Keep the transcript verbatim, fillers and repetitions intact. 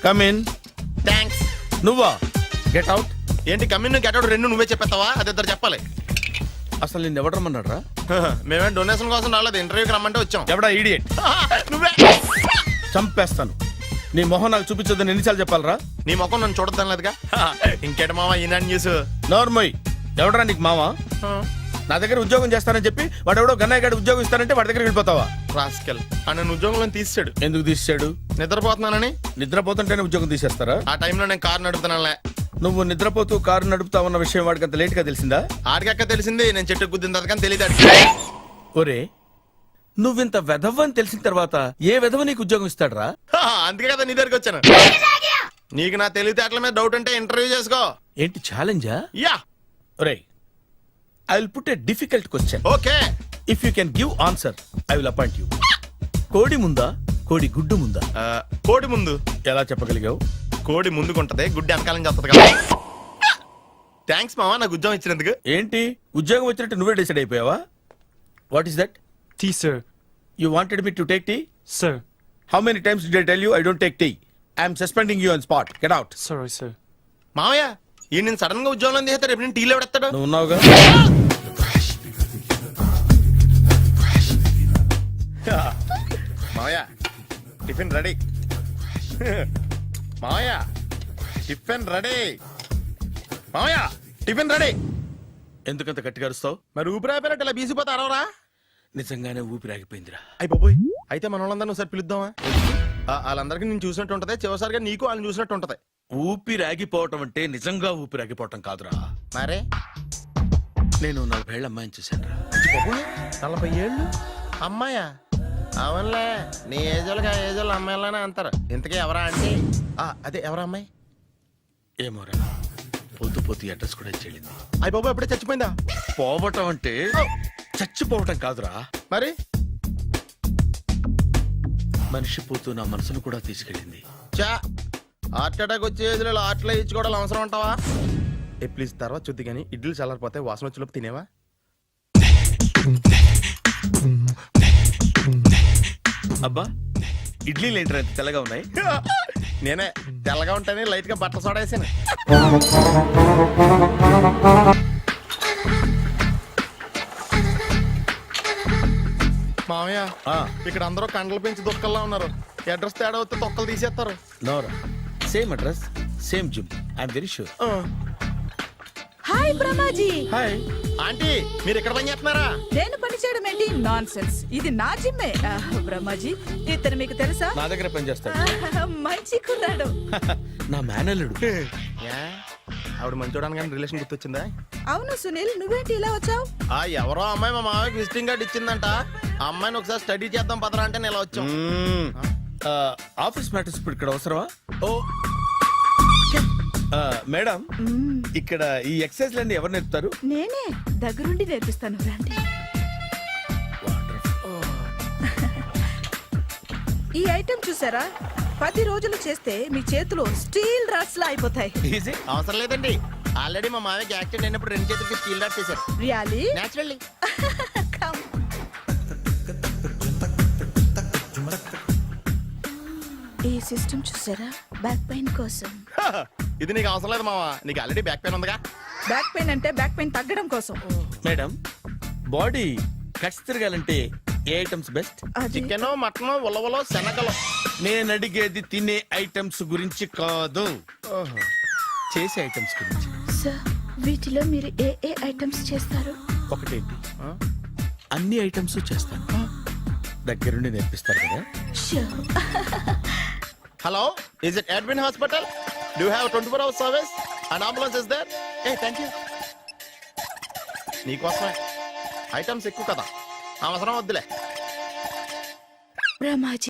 Come in. Thanks. నువ్వా? Get out. ఏంటి come in get out రెండు నువ్వే చెప్పేస్తావా? అది ఇద్దరు చెప్పాలి. అసలు నేను ఎవడు రమ్మన్నాడు రా? మేమే డొనేషన్ కోసం రాలేదు, ఇంటర్వ్యూకి రమ్మంటే వచ్చాం. ఎవడా ఈడియట్? నువ్వే. చంపేస్తాను. నీ మొహం నాకు చూపించొద్దని ఎన్నిసార్లు చెప్పాలరా? నీ ముఖం నన్ను చూడద్దాం లేదుగా. ఇంకేట మావా ఈనాడు న్యూస్. నోర్మోయ్, ఎవడరా నీకు మావా? నా దగ్గర ఉద్యోగం చేస్తానని చెప్పి వాడు ఎవడో గన్నయ్య గారి ఉద్యోగం ఇస్తానంటే వాడి దగ్గర వెళ్ళిపోతావా? రాస్కెల్ ఆ నన్ను ఉద్యోగంలో తీసాడు. ఎందుకు తీసాడు? నిద్రపోతున్నానని. నిద్రపోతుంటేనే ఉద్యోగం తీసేస్తారా? ఆ టైంలో నేను కారు నడుపుతున్నానులే. నువ్వు నిద్రపోతూ కారు నడుపుతా ఉన్న విషయం వాడికి అంత లేట్ గా తెలిసిందా? ఆడికక్క తెలిసింది, నేను చెట్టు గుద్దిన తర్వాత కానీ తెలియదు. ఒరే, నువ్వింత వెధవ్ అని తెలిసిన తర్వాత ఏ వెధవ నీకు ఉద్యోగం ఇస్తాడరా? అందుకే కదా నీ దగ్గరికి వచ్చాను. నీకు నా తెలివితేటల మీద డౌట్ అంటే ఇంటర్వ్యూ చేసుకో. ఏంటి ఛాలెంజా? యా. ఒరే, I will put a difficult question. Okay. If you can give answer I will appoint you. కోడి ముందా, కోడి గుడ్డు ముందా? కోడి ముందు. ఎలా చెప్పగలిగావు? కోడి ముందుకుంటది, గుడ్డి వెనకాలం చేస్తుంది కదా. థ్యాంక్స్ మావా నాకు ఉద్యోగం ఇచ్చినందుకు. ఏంటి ఉద్యోగం వచ్చినట్టు నువ్వే డిసైడ్ అయిపోయావా? What is that? Tea, sir. You wanted me to take tea? Sir. How many times did I tell you I don't take tea? I am suspending you on spot. Get out. Sorry, sir. మావయ్య ఈ నేను sudden గా ఉద్యోగంలో తీస్తాడు. రేపు నేను టీలో ఎవడెత్తాడు? నువ్వు ఉన్నావుగా. మావయ్య టిఫిన్ రెడీ. మావయ్య టిఫిన్ రెడీ. మావయ్య టిఫిన్ రెడీ. ఎందుకంత గట్టిగా అరుస్తావు? మరి ఊపిరాయిపోయినట్టు ఇలా బీసిపోతే అరవరా? నిజంగానే ఊపిరాగిపోయిందిరా. అయ్యి బాబోయ్, అయితే మన వాళ్ళందరినీ ఒకసారి పిలుద్దామా? ఆ, వాళ్ళందరికీ నేను చూసినట్టు ఉంటది, చివరిసారిగా నీకు వాళ్ళని చూసినట్టు ఉంటది. ఊపిరాగిపోవటం అంటే నిజంగా ఊపిరాగిపోవటం కాదురా. మరే నేను నలభై ఏళ్ళ అమ్మాయిని చూశాను రా. నలభై ఏళ్ళు అమ్మాయా? అవునులే, నీ ఏజోళ్ళకి ఆ ఏజోళ్ళు అమ్మాయిలానే అంటారు. ఇంతకీ ఎవరా అంటే? అదే ఎవరా అమ్మాయి? ఏమోరా, పొద్దు పొద్దు అడ్రస్ కూడా చెల్లింది. అయ్యి బాబు ఎప్పుడే చచ్చిపోయిందా? పోవటం అంటే చచ్చిపోవటం కాదురా, మరి మనిషి పోతూ నా మనసును కూడా తీసుకెళ్ళింది. చా హార్ట్ అటాక్ వచ్చే ఏజ్లో ఆటలో ఇచ్చుకోవడం అవసరం ఉంటావా? ఏ ప్లీజ్ తర్వాత చూద్ది కానీ ఇడ్లీలు చల్లారిపోతే వాసన వచ్చేలోపు తినేవా? అబ్బా, ఇడ్లీలు ఏంటి అంత తెల్లగా ఉన్నాయి? నేనే తెల్లగా ఉంటానే లైట్ గా బట్టలు సోడేసాను. మామయ్య ఇక్కడ అందరూ కండలు పెంచి దుక్కల్లా ఉన్నారు. అడ్రస్ తేడా వస్తే తొక్కలు తీసేస్తారు. Nora, same address same gym. I'm very sure. Hi Brahmaji. Hi aunty, మీరు ఇక్కడ పని చేస్తున్నారా? నేను పని చేయడం ఏంటి? Nonsense. ఇది నా జిమ్మే. బ్రహ్మాజీ ఇతను మీకు తెలుసా? నా దగ్గర పని చేస్తాడు. మంచి కుర్రాడు. నా మేనల్లుడు. ఆవిడ మంచి చూడడానికి రిలేషన్ గుర్తొచ్చిందా? అవును సునీల్, నువ్వేంటి ఇలా వచ్చావు? ఆ ఎవరో అమ్మాయి మా మామయ్యకి విజిటింగ్ కార్డ్ ఇచ్చిందంట. ఆ అమ్మాయిని ఒకసారి స్టడీ చేద్దాం పదరా అంటే నేను ఇలా వచ్చాం. ఆఫీస్ మ్యాటర్స్ ఇప్పుడు ఇక్కడ అవసరమా? ఓ మేడం, ఇక్కడ ఈ ఎక్సర్సైజ్ లన్నీ ఎవరు నేర్పుతారు? నేనే దగ్గరుండి నేర్పిస్తాను, రండి. ఈ ఐటెం చూసారా? పది రోజులు చేస్తే మీ చేతులు స్టీల్ రాట్స్ లా అయిపోతాయి. అవసరం లేదండి, ఆల్రెడీ మా మామయ్యకి యాక్సిడెంట్ అయినప్పుడు రెండు చేతులకి స్టీల్ రాట్స్ చేశారు. రియల్లీ? నేచురల్లీ. ఈ సిస్టమ్ చూసారా? బ్యాక్ పెయిన్ కోసం. ఇది నీకు అవసరం లేదు మావా, నీకు ఆల్రెడీ బ్యాక్ పెయిన్ ఉందిగా. బ్యాక్ పెయిన్ అంటే బ్యాక్ పెయిన్ తగ్గడం కోసం. మేడం, బాడీ కట్స్ తిరగాలంటే ఏ ఐటమ్స్ బెస్ట్? చికెన్, మటన్, ఉలవలో, శనగలు. నేను అడిగేది తినే ఐటమ్స్ గురించి కాదు, చేసే ఐటమ్స్ గురించి. సార్, వీటిలో మీరు ఏ ఏ ఐటమ్స్ చేస్తారు? ఒకటేంటి, అన్ని ఐటమ్స్ చేస్తాను. దగ్గరుండి నేర్పిస్తారు కదా. Hello, is it admin hospital? Do have twenty four hours service and ambulance is there? ఏ థ్యాంక్ యూ. నీకోసమే ఐటమ్స్ ఎక్కువ కదా, అవసరం వద్దులే. బ్రహ్మాజీ